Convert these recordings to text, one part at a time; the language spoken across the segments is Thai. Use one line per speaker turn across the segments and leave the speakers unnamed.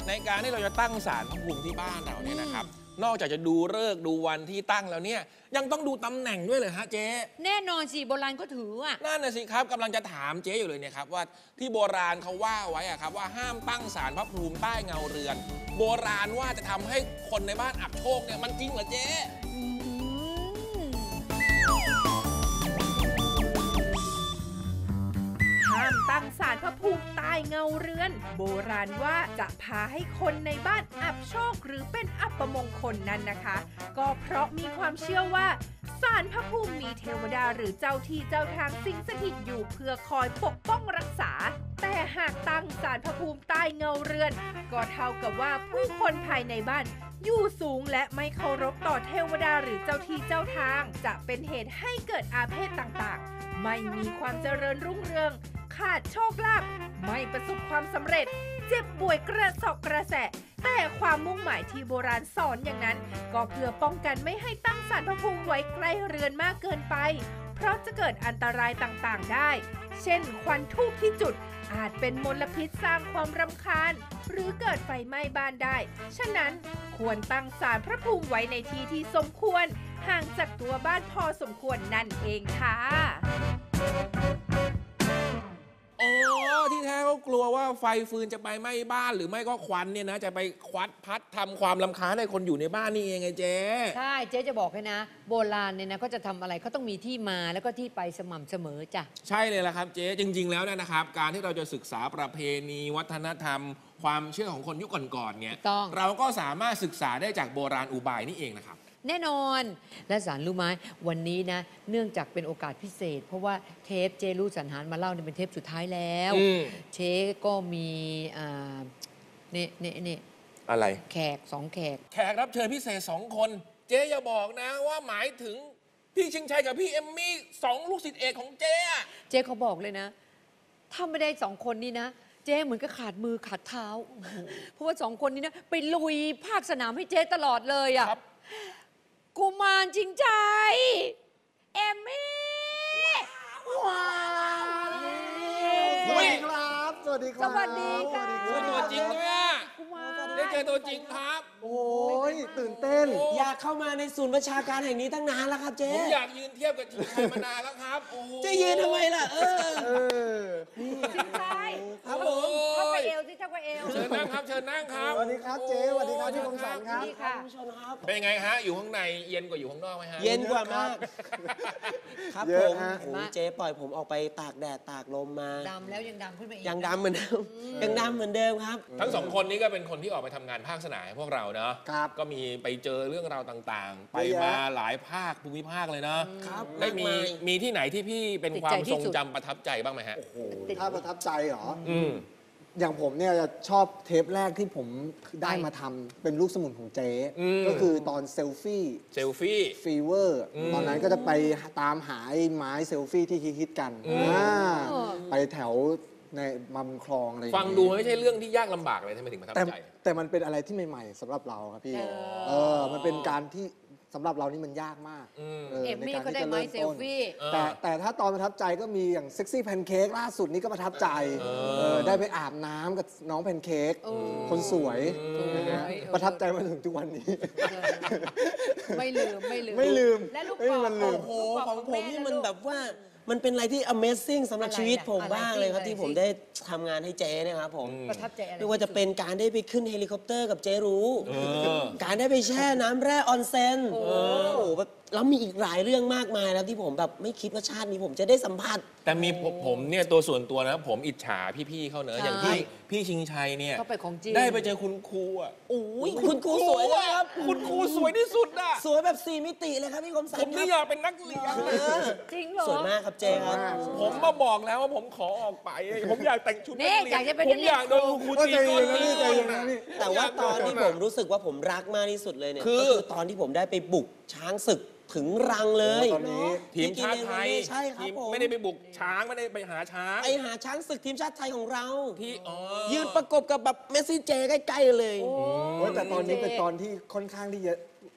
ในการที่เราจะตั้งศาลพระภูมิที่บ้านเราเนี่ยนะครับนอกจากจะดูฤกษ์ดูวันที่ตั้งแล้วเนี่ยยังต้องดูตำแหน่งด้วยเลยฮะเจ๊
แน่นอนสิโบราณก็ถืออ่ะ
นั่นน่ะสิครับกำลังจะถามเจ๊อยู่เลยเนี่ยครับว่าที่โบราณเขาว่าไว้อะครับว่าห้ามตั้งศาลพระภูมิใต้เงาเรือนโบราณว่าจะทำให้คนในบ้านอับโชคเนี่ยมันจริงเหรอเจ๊
ห้ามตั้งศาลพระภูมิใต้เงาเรือนโบราณว่าจะพาให้คนในบ้านอับโชคหรือเป็นอัปมงคลนั้นนะคะ ก็เพราะมีความเชื่อว่าศาลพระภูมิมีเทวดาหรือเจ้าที่เจ้าทางสิงสถิตอยู่เพื่อคอยปกป้องรักษาแต่หากตั้งศาลพระภูมิใต้เงาเรือนก็เท่ากับว่าผู้คนภายในบ้านอยู่สูงและไม่เคารพต่อเทวดาหรือเจ้าที่เจ้าทางจะเป็นเหตุให้เกิดอาเพศต่างๆไม่มีความเจริญรุ่งเรืองขาดโชคลาภไม่ประสบความสำเร็จเจ็บป่วยกระสอบกระแสะแต่ความมุ่งหมายที่โบราณสอนอย่างนั้นก็เพื่อป้องกันไม่ให้ตั้งศาลพระภูมิไว้ใกล้เรือนมากเกินไปเพราะจะเกิดอันตรายต่างๆได้เช่นควันทูบที่จุดอาจเป็นมลพิษสร้างความรำคาญหรือเกิดไฟไหม้บ้านได้ฉะนั้นควรตั้งศาลพระภูมิไว้ในที่ที่สมควรห่างจากตัวบ้านพอสมควรนั่นเองค่ะ
ที่แท้เขากลัวว่าไฟฟืนจะไปไหม้บ้านหรือไม่ก็ควันเนี่ยนะจะไปควัดพัดทำความรำคาญให้คนอยู่ในบ้านนี่เองไงเจ๊
ใช่เจ๊จะบอกให้นะโบราณเนี่ยนะเขาจะทำอะไรเขาต้องมีที่มาแล้วก็ที่ไปสม่ำเสมอจ้ะ
ใช่เลยละครับเจ๊จริงๆแล้วนะครับการที่เราจะศึกษาประเพณีวัฒนธรรมความเชื่อของคนยุคก่อนๆเนี่ยเราก็สามารถศึกษาได้จากโบราณอุบายนี่เองนะครับ
แน่นอนและสารรู้ไหมวันนี้นะเนื่องจากเป็นโอกาสพิเศษเพราะว่าเทปเจรู้สรรหารมาเล่าเนี่ยเป็นเทปสุดท้ายแล้วเชก็มีนี่
อะไร
แขก2 แขก
รับเชิญพิเศษ2 คนเจ๊อย่าบอกนะว่าหมายถึงพี่ชิงชัยกับพี่เอมมี่2 ลูกศิษย์เอกของเจ๊
เจ๊เขาบอกเลยนะถ้าไม่ได้2 คนนี้นะเจ๊เหมือนกับขาดมือขาดเท้าเพราะว่า2 คนนี้นะไปลุยภาคสนามให้เจ๊ตลอดเลยอ่ะกุมารจริงใจเอมมี่ว้าว
สวัสดีครับสวัสดีครับ
สวัสดีค่ะ
ตัวจริงด้วยได้เจอตัวจริงครับ
โอ้ยตื่นเต้น
อยากเข้ามาในศูนย์ประชาการแห่งนี้ตั้งนานแล้วครับเจ๊
ผมอยากยืนเทียบกับชิงชัยมานานแล้วครับ
จะยืนทำไมล่ะ
ชิงชัย
ครับผม
เข้าไปเอวสิเข้าไปเอว
เชิญนั่งครับเชิญนั่งครับ
สวัสดีครับเจ๊สวัสดีครับพี่คมสันครับ
ผู้ชมครับ
เป็นไงฮะอยู่ข้างในเย็นกว่าอยู่ข้างนอกไหมฮะ
เย็นกว่ามากครับผมเจ๊ปล่อยผมออกไปตากแดดตากลมมา
ดำแล้วยังดำขึ้นไปอีก
ยังดำเหมือนเดิมยังดำเหมือนเดิมครับ
ทั้ง2 คนนี้ก็เป็นคนที่ออกไปทำงานภาคสนามพวกเราเนาะก็มีไปเจอเรื่องราวต่างๆไปมาหลายภาคภูมิภาคเลยเนาะได้มีที่ไหนที่พี่เป็นความทรงจำประทับใจบ้างไหมฮะ
ถ้าประทับใจเหรออย่างผมเนี่ยจะชอบเทปแรกที่ผมได้มาทำเป็นลูกสมุนของเจ๊ก็คือตอนเซลฟี่ฟีเวอร์ตอนนั้นก็จะไปตามหาไอ้ไม้เซลฟี่ที่ฮิตกันไปแถวในมัมคลองอะไร
ฟังดูไม่ใช่เรื่องที่ยากลำบากเลยทำไมถึงประทับใจ
แต่มันเป็นอะไรที่ใหม่ๆสำหรับเราครับพี่มันเป็นการที่สำหรับเรานี่มันยากมาก
เอมมี่ก็ได้ไม้เซลฟี่
แต่ถ้าตอนประทับใจก็มีอย่างเซ็กซี่แพนเค้กล่าสุดนี้ก็ประทับใจได้ไปอาบน้ำกับน้องแพนเค้กคนสวยประทับใจมาถึงทุกวันนี้
ไม่ลืมและลูกบอล
โอ้โหของผมนี่มันแบบว่ามันเป็นอะไรที่ Amazing สำหรับชีวิตผมบ้างเลยครับที่ผมได้ทำงานให้เจ๊เนี่ยครับผม
ประทับใจอะไร
ไม่ว่าจะเป็นการได้ไปขึ้นเฮลิคอปเตอร์กับเจ๊รู้การได้ไปแช่น้ำแร่ออนเซ็นโอ้โหแบบแล้วมีอีกหลายเรื่องมากมายแล้วที่ผมแบบไม่คิดว่าชาตินี้ผมจะได้สัมผัส
แต่มีผมเนี่ยตัวส่วนตัวนะผมอิจฉาพี่ๆเขาเนอะอย่างพี่ชิงชัยเนี่ยได้ไปเจอคุณครูอ่ะ
โอ้ยคุณครูสวยนะครับ
คุณครูสวยที่สุดอ่ะ
สวยแบบ4 มิติเลยครับพี่คมสัน
ผมนี่อยากเป็นนักเรียน
จริงเหรอ
สวยมากครับเจ๊ครับ
ผมมาบอกแล้วว่าผมขอออกไปผมอยากแต่งชุดนักเรียนผมอยากโดนครูตีก้น
แต่ว่าตอนที่ผมรู้สึกว่าผมรักมากที่สุดเลยเนี่ยก็คือตอนที่ผมได้ไปบุกช้างศึกถึงรังเลย
ตอนนี้
ทีมชาติไทย
ใช่ครับผม
ไม่ได้ไปบุกช้างไม่ได้ไปหาช้าง
ไปหาช้างศึกทีมชาติไทยของเราที่ยืนประกบกับแบบเมสซี่เจใกล้ๆเลย
แต่ตอนนี้เป็นตอนที่ค่อนข้างที่จะ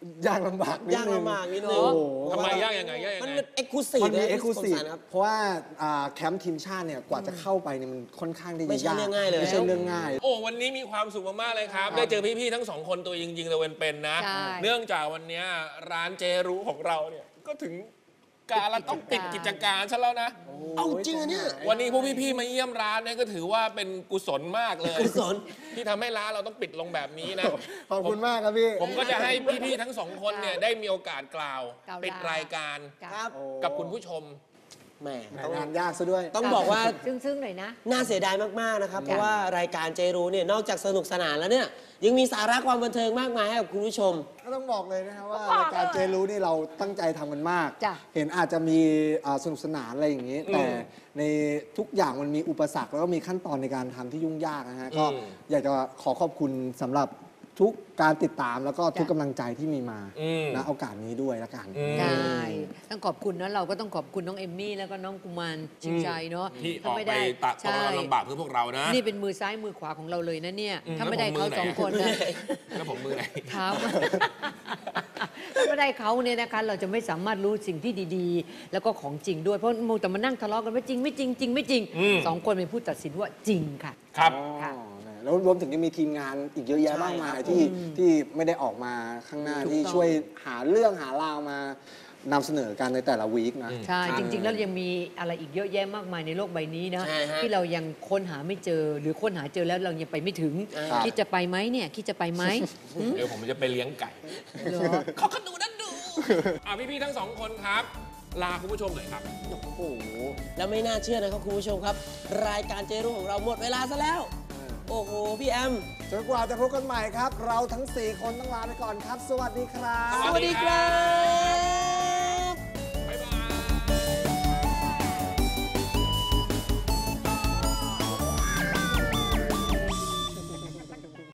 ยากลำบากนิดนึง
ยากลำบากนิดนึง
โอ้โห
ทำไมยากยังไงยากยัง
มัน
ไง
เป็นเอ็กซ์คลูซีฟ
มันมี
นะ
เอ็กซ์คลูซีฟ
ครับ
เพราะว่าแคมป์ทีมชาติเนี่ยกว่าจะเข้าไปเนี่ยมันค่อนข้างที่
ไม่
จะ
ใช่
ยาก
เรื่องง่ายเลย
ไม่ใช่เรื่องง่าย
โอ้วันนี้มีความสุขมากๆเลยครับ ได้เจอพี่ๆทั้งสองคนตัวจริงๆเลยเป็นๆนะ
ใช่
เนื่องจากวันนี้ร้านเจรู้ของเราเนี่ยก็ถึงการเราต้องปิดกิจการซะแล้วนะ
เอาจริงอะเนี่ย
วันนี้พวกพี่ๆมาเยี่ยมร้านเนี่ยก็ถือว่าเป็นกุศลมากเลย
กุศล
ที่ทำให้ร้านเราต้องปิดลงแบบนี้นะ
ขอบคุณมากครับพี่
ผมก็จะให้พี่ๆทั้งสองคนเนี่ยได้มีโอกาสกล่าว
กล่าว
ปิดรายการ
ครับ
กับคุณผู้ชม
แหม
งานยากซะด้วย
ต้องบอกว่า
ซึ้งๆหน่อยนะ
น่าเสียดายมากๆนะครับ เพราะว่ารายการเจรู้เนี่ยนอกจากสนุกสนานแล้วเนี่ยยังมีสาระความบันเทิงมากมายให้กับคุณผู้ชม
ก็ต้องบอกเลยนะครับว่ารายการเจรู้นี่เราตั้งใจทำกันมาก
จ้ะ
เห็นอาจจะมีสนุกสนานอะไรอย่างนี้ แต่ในทุกอย่างมันมีอุปสรรคแล้วก็มีขั้นตอนในการทำที่ยุ่งยากนะฮะก็อยากจะขอขอบคุณสำหรับทุกการติดตามแล้วก็ทุกกำลังใจที่มีมาณโอกาสนี้ด้วยละกัน
ใช่ต้องขอบคุณนะเราก็ต้องขอบคุณน้องเอมมี่แล้วก็น้องกุมารชิงชัยเนาะ
ที่อ
ถ้า
อก
ไม่
ไป
ได้
ตัดต
ใช่
อนลำบากเพื่อพวกเรานะ
นี่เป็นมือซ้ายมือขวาของเราเลยนะเนี่ย ถ้าไม่ได้
แล้วผม
เขา
มือไหน
สองคนนะ
แล้วผมมือไหน
เท้า ถ้าไม่ได้เขาเนี่ยนะคะเราจะไม่สามารถรู้สิ่งที่ดีๆ แล้วก็ของจริงด้วยเพราะมัวแต่มานั่งทะเลาะกันว่าจริงไม่จริงจริงไม่จริงสองคนเป็นผู้ตัดสินว่าจริงค่ะ
ครับ
ค่ะ
แล้วรวมถึงยังมีทีมงานอีกเยอะแยะมากมายที่ไม่ได้ออกมาข้างหน้า
ถูกต้อง
ที่ช่วยหาเรื่องหาราวมานำเสนอกันในแต่ละวีคนะ
ใช่จริง ๆ แล้วยังมีอะไรอีกเยอะแยะมากมายในโลกใบนี้นะ
ใช่ฮะ
ที่เรายังค้นหาไม่เจอ หรือค้นหาเจอแล้วเรายังไปไม่ถึง
ครับ
คิดจะไปไหมเนี่ยคิดจะไปไหม
เดี๋ยวผมจะไปเลี้ยงไก่
เหรอ
เขาก็ดูนั่นดู พี่ๆทั้งสองคนครับ ลาคุณผู้ชมหน่อยครับ
โอ้โหแล้วไม่น่าเชื่อนะครับคุณผู้ชมครับ รายการเจรู้ของเราหมดเวลาซะแล้ว โอ้โหพี่แอม
จนกว่าจะพบกันใหม่ครับ เราทั้ง 4 คนต้องลาไปก่อนครับ สวัสดีครับ
สวัสดีครับ